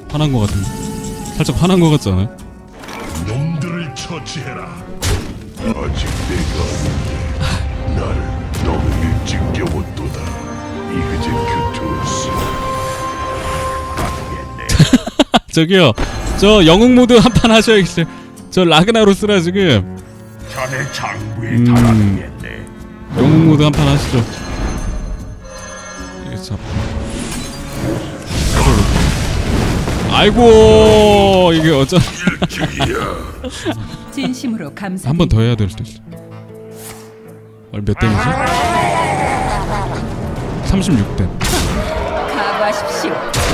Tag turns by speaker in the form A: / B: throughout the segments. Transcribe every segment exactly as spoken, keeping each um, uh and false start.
A: 화난 거 같은데. 살짝 화난 거 같지 않아요?
B: 놈들을 처치해라. 아직 내가 날 너무 일찍 깨웠도다. 이그제 큐투스.
A: 저기요, 저 영웅 모드 한 판 하셔야겠어요. 저 라그나로스라 지금.
B: 자네 장부에
A: 음.
B: 달아두겠네.
A: 영웅 모드 한 판 하시죠. 이게 참. 아이고, 이게 어쩌.
C: 진심으로 감사.
A: 한 번 더 해야 될 수도 있어. 얼 몇 댐이지? 삼십육 댐.
C: 각오하십시오.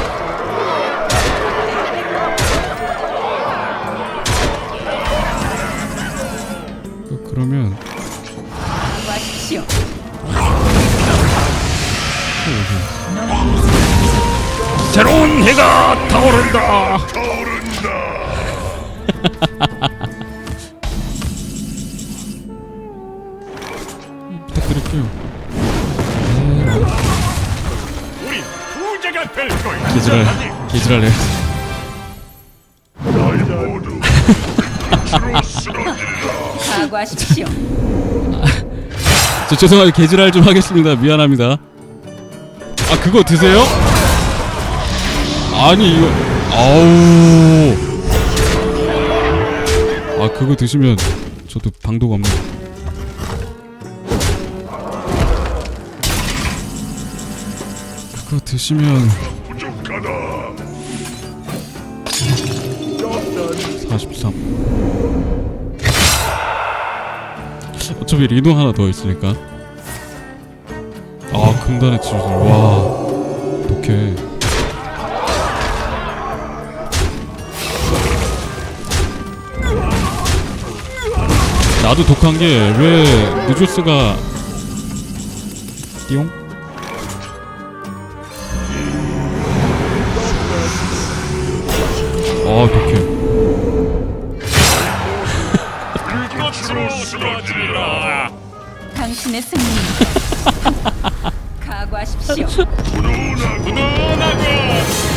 A: 그, 그러면
C: 각오하십시오.
A: 새로운 해가 타오른다.
B: 타오른다.
A: 부탁드릴게요.
B: 우리 부자가 될 거야.
A: 개지랄, 개지랄해.
B: 날 모두 끝으로 쓰러질라.
C: 각오하십시오.
A: 저 죄송하게 개지랄 좀 하겠습니다. 미안합니다. 아, 그거 드세요? 아니 이거 아우. 아, 그거 드시면 저도 방도가 없네. 그거 드시면
B: 부족하다.
A: 사십삼. 어차피 리노 하나 더 있으니까. 아, 금단의 치유술. 와, 독해. 나도 독한 게 왜 느조스가 띠용? 아, 독해.
B: 끝으로 쓰러질라.
C: 당신의 승리. 각오하십시오.
B: 분노하고